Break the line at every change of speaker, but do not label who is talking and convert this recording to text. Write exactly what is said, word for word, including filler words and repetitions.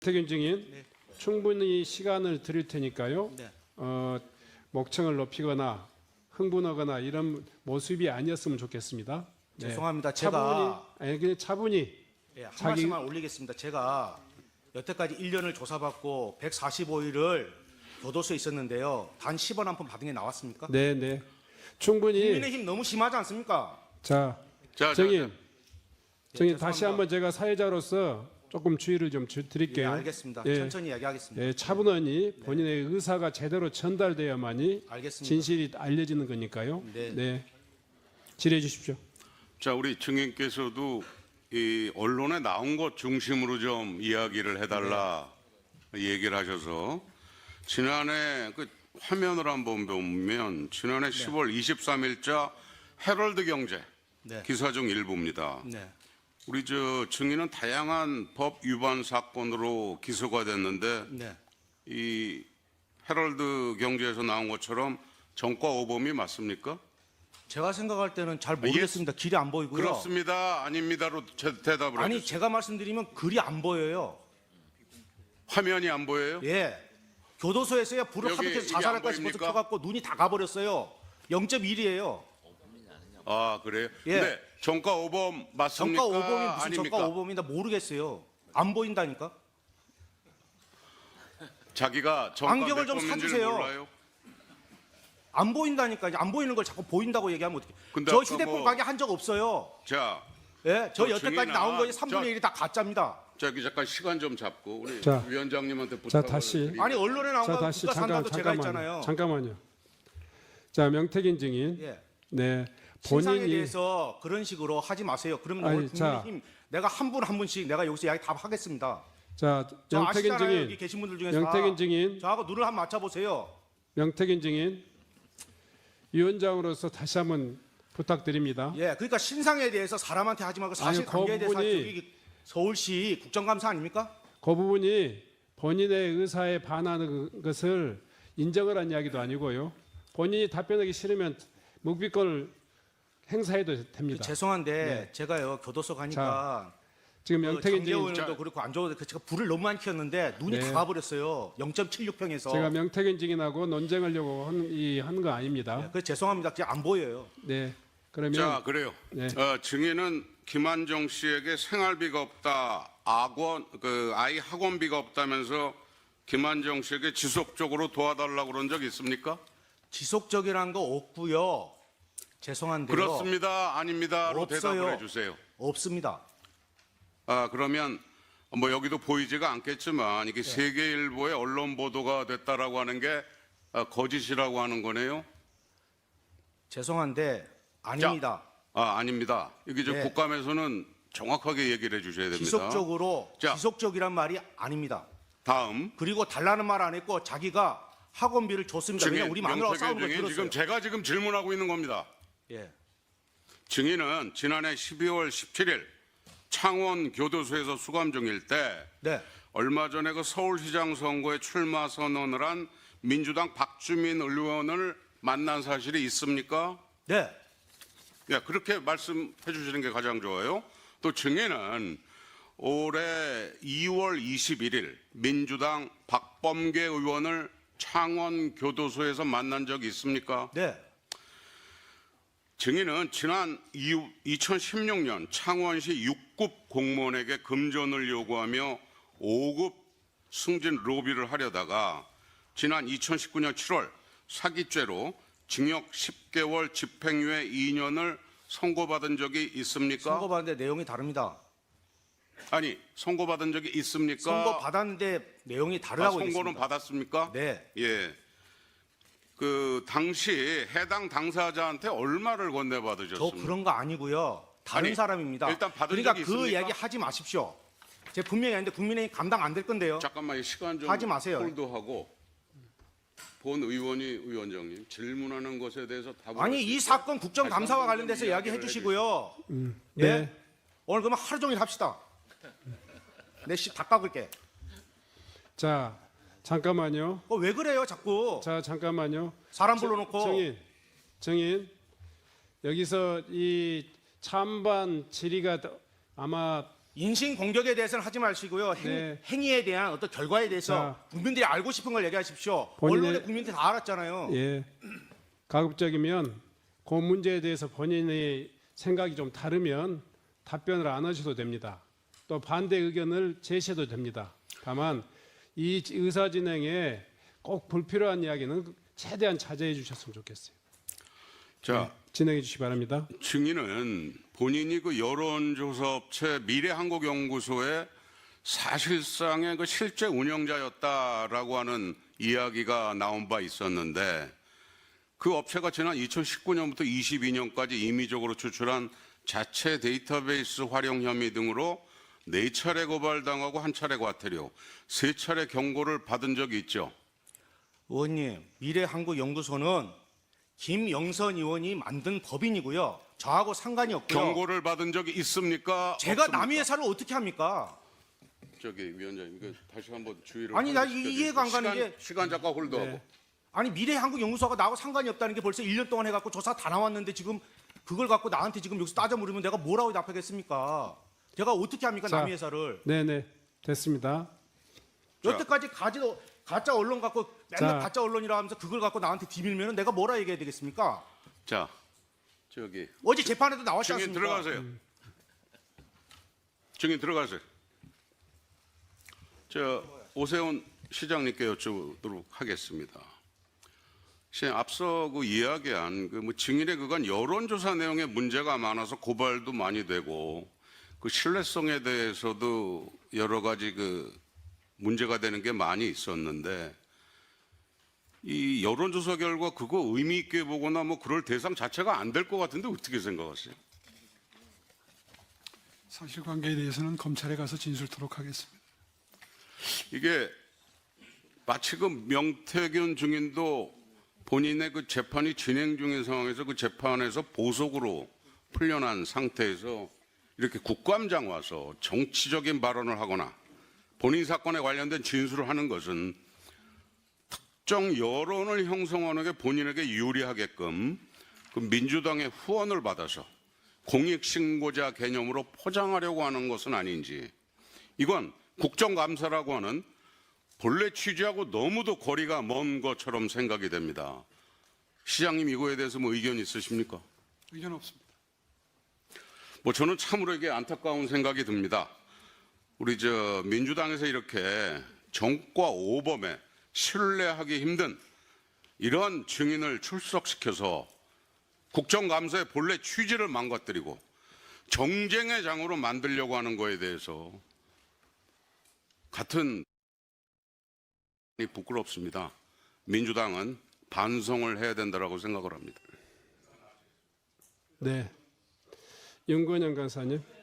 태균 증인,
네.
충분히 시간을 드릴 테니까요.
네.
어, 목청을 높이거나 흥분하거나 이런 모습이 아니었으면 좋겠습니다. 네.
죄송합니다.
차분히,
제가
아니 그냥 차분히.
예, 한
자기-
말씀만 올리겠습니다. 제가 여태까지 일 년을 조사받고 백사십오 일을 교도소에 있었는데요. 단 십 원 한 푼 받은 게 나왔습니까?
네, 네. 충분히.
국민의힘 너무 심하지 않습니까?
자,
자,
증인,
자,
증인
예,
다시
죄송합니다.
한번 제가 사회자로서 조금 주의를 좀 주-
예,
드릴게요.
알겠습니다.
예.
천천히 이야기하겠습니다.
예, 차분하니 본인의 의사가 제대로 전달돼야만이
알겠습니다.
진실이 알려지는 거니까요.
네.
네. 질의해 주십시오.
자, 우리 증인께서도 이 언론에 나온 것 중심으로 좀 이야기를 해달라 얘기를 하셔서 지난해 그 화면을 한번 보면 지난해 시월 이십삼일자 헤럴드 경제
네.
기사 중 일부입니다.
네.
우리 저 증인은 다양한 법 위반 사건으로 기소가 됐는데
네.
이 헤럴드 경제에서 나온 것처럼 정과 오범이 맞습니까?
제가 생각할 때는 잘 모르겠습니다. 길이 안 보이고요.
그렇습니다. 아닙니다로 제- 대답을
아니
해주세요.
제가 말씀드리면 글이 안 보여요.
화면이 안 보여요?
예. 교도소에서야 불을
여기
하도 켜서
이게
자살할까
안
싶어서
보입니까?
켜갖고 눈이 다 가버렸어요. 영 점 일이에요.
아 그래요?
예.
근데 정가 오범 맞습니까?
정가 오범이 무슨
아닙니까?
정가 오범이나 모르겠어요. 안 보인다니까.
자기가 정가
안경을
몇
좀
범인지를
사주세요.
몰라요?
안 보인다니까. 안 보이는 걸 자꾸 보인다고 얘기하면 어떡해.
근데
저
아까
휴대폰
뭐-
가게 한 적 없어요.
자,
예, 저
저
여태까지
증인아,
나온 거에
저-
삼분의 일이 다 가짜입니다.
저기 잠깐 시간 좀 잡고 우리
자,
위원장님한테
자,
부탁을
다시.
드리겠습니다.
아니 언론에 나온
자,
거
다시
누가
잠깐
산다도 제가
잠깐만요.
있잖아요.
잠깐만요. 자, 명태균 증인.
예.
네.
신상에
본인이
대해서 그런 식으로 하지 마세요. 그러면
아니,
오늘
자.
국민의힘 내가 한 분 한 분씩 내가 여기서 이야기 다 하겠습니다.
자,
저
명태균
아시잖아요. 여기
증인.
계신 분들 중에서
명태균
다.
증인.
저하고 눈을 한번 맞춰보세요.
명태균 증인. 위원장으로서 다시 한번 부탁드립니다.
예, 그러니까 신상에 대해서 사람한테 하지 말고 사실
아니, 그
관계에 대해서
부분이-
여기 서울시 국정감사 아닙니까?
그 부분이 본인의 의사에 반하는 것을 인정을 한 이야기도 아니고요. 본인이 답변하기 싫으면 묵비권을 행사해도
그
됩니다.
죄송한데
네.
제가요 교도소 가니까
지금
그
명태균 증인,
장재원도 그렇고 안 좋아도 그 제가 불을 너무 많이 켰는데 눈이
네.
다 가버렸어요. 영 점 칠육 평에서.
제가 명태균 증인하고 논쟁하려고 한 거 아닙니다.
그 죄송합니다. 그냥 안 보여요.
네. 그러면
자, 그래요.
네.
어, 증인은 김한정 씨에게 생활비가 없다, 학원 그 아이 학원비가 없다면서 김한정 씨에게 지속적으로 도와달라고 그런 적 있습니까?
지속적이라는 거 없고요. 죄송한데요.
그렇습니다. 아닙니다로
없어요.
대답을 해주세요.
없습니다.
아 그러면 뭐 여기도 보이지가 않겠지만 이게 세계일보의 언론 보도가 됐다라고 하는 게 아, 거짓이라고 하는 거네요.
죄송한데 아닙니다.
아 아닙니다. 여기 저
네.
국감에서는 정확하게 얘기를 해주셔야 됩니다.
지속적으로
자.
지속적이란 말이 아닙니다.
다음
그리고 달라는 말 안 했고 자기가 학원비를 줬습니다.
증인
왜냐 우리 마누라가
명태균
싸우는 걸
증인
들었어요.
지금 제가 지금 질문하고 있는 겁니다.
예.
증인은 지난해 십이월 십칠일 창원 교도소에서 수감 중일 때
네.
얼마 전에 그 서울시장 선거에 출마 선언을 한 민주당 박주민 의원을 만난 사실이 있습니까?
네.
예, 그렇게 말씀해 주시는 게 가장 좋아요. 또 증인은 올해 이월 이십일일 민주당 박범계 의원을 창원 교도소에서 만난 적이 있습니까?
네.
증인은 지난 이천십육년 창원시 육 급 공무원에게 금전을 요구하며 오 급 승진 로비를 하려다가 지난 이천십구년 칠월 사기죄로 징역 십 개월 집행유예 이 년을 선고받은 적이 있습니까?
선고받는데 내용이 다릅니다.
아니, 선고받은 적이 있습니까?
선고 받았는데 내용이
아,
다르다고
선고는
얘기했습니다.
받았습니까?
네.
예. 그 당시 해당 당사자한테 얼마를
저
건네받으셨습니까?
그런 거 아니고요. 다른
아니,
사람입니다.
일단 받은
그러니까
적이
그
있습니까?
이야기 하지 마십시오. 제가 분명히 했는데 국민의힘 감당 안 될 건데요.
잠깐만 이 시간 좀
하지 마세요.
홀드하고 본 의원이 위원장님 질문하는 것에 대해서 답을
아니
할수
이
있어요?
사건 국정감사와
다시 한번
관련돼서
좀
이야기해
이야기를
주시고요.
네.
예? 오늘 그러면 하루 종일 합시다. 내 씨 다 깎을게.
자, 잠깐만요.
어, 왜 그래요 자꾸.
자, 잠깐만요.
사람 불러놓고.
증인, 증인, 여기서 이 찬반 질의가 더- 아마
인신 공격에 대해서는 하지 마시고요. 행,
네.
행위에 대한 어떤 결과에 대해서
자.
국민들이 알고 싶은 걸 얘기하십시오.
본인의-
언론에 국민들이 다 알았잖아요.
예, 가급적이면 그 문제에 대해서 본인의 생각이 좀 다르면 답변을 안 하셔도 됩니다. 또 반대 의견을 제시해도 됩니다. 다만 이 의사 진행에 꼭 불필요한 이야기는 최대한 자제해 주셨으면 좋겠어요.
자,
진행해 주시기 바랍니다.
증인은 본인이 그 여론조사업체 미래한국연구소의 사실상의 그 실제 운영자였다라고 하는 이야기가 나온 바 있었는데 그 업체가 지난 이천십구 년부터 이십이 년까지 임의적으로 추출한 자체 데이터베이스 활용 혐의 등으로 네 차례 고발당하고 한 차례 과태료, 세 차례 경고를 받은 적이 있죠.
의원님, 미래한국연구소는 김영선 의원이 만든 법인이고요. 저하고 상관이 없고요.
경고를 받은 적이 있습니까?
제가
없습니까?
남의 회사를 어떻게 합니까?
저기 위원장님, 이거 다시 한번 주의를.
아니, 나
시켜주십시오.
이해가 안 가는
시간,
게-
시간 잠깐 홀드하고.
네.
아니 미래한국연구소가 나하고 상관이 없다는 게 벌써 일 년 동안 해갖고 조사 다 나왔는데 지금 그걸 갖고 나한테 지금 여기서 따져 물으면 내가 뭐라고 답하겠습니까? 제가 어떻게 합니까
자.
남의 회사를?
네네, 됐습니다.
자.
여태까지 가지도 가짜 언론 갖고 맨날
자.
가짜 언론이라 하면서 그걸 갖고 나한테 뒤밀면은 내가 뭐라 얘기해야 되겠습니까?
자, 저기
어제 재판에도 나왔지
증인
않습니까?
들어가세요. 증인 들어가세요. 저 오세훈 시장님께 여쭤보도록 하겠습니다. 시장 앞서 그 이야기한 그 뭐 증인의 그간 여론조사 내용에 문제가 많아서 고발도 많이 되고 그 신뢰성에 대해서도 여러 가지 그 문제가 되는 게 많이 있었는데 이 여론조사 결과 그거 의미 있게 보거나 뭐 그럴 대상 자체가 안 될 것 같은데 어떻게 생각하세요?
사실관계에 대해서는 검찰에 가서 진술토록 하겠습니다.
이게 마치 그 명태균 증인도 본인의 그 재판이 진행 중인 상황에서 그 재판에서 보석으로 풀려난 상태에서 이렇게 국감장 와서 정치적인 발언을 하거나 본인 사건에 관련된 진술을 하는 것은 특정 여론을 형성하는 게 본인에게 유리하게끔 그 민주당의 후원을 받아서 공익신고자 개념으로 포장하려고 하는 것은 아닌지, 이건 국정감사라고 하는 본래 취지하고 너무도 거리가 먼 것처럼 생각이 됩니다. 시장님 이거에 대해서 뭐 의견 있으십니까?
의견 없습니다.
뭐 저는 참으로 이게 안타까운 생각이 듭니다. 우리 저 민주당에서 이렇게 정과 오범에 신뢰하기 힘든 이런 증인을 출석시켜서 국정감사의 본래 취지를 망가뜨리고 정쟁의 장으로 만들려고 하는 거에 대해서 같은 부끄럽습니다. 민주당은 반성을 해야 된다고 생각을 합니다.
네, 윤건영 간사님.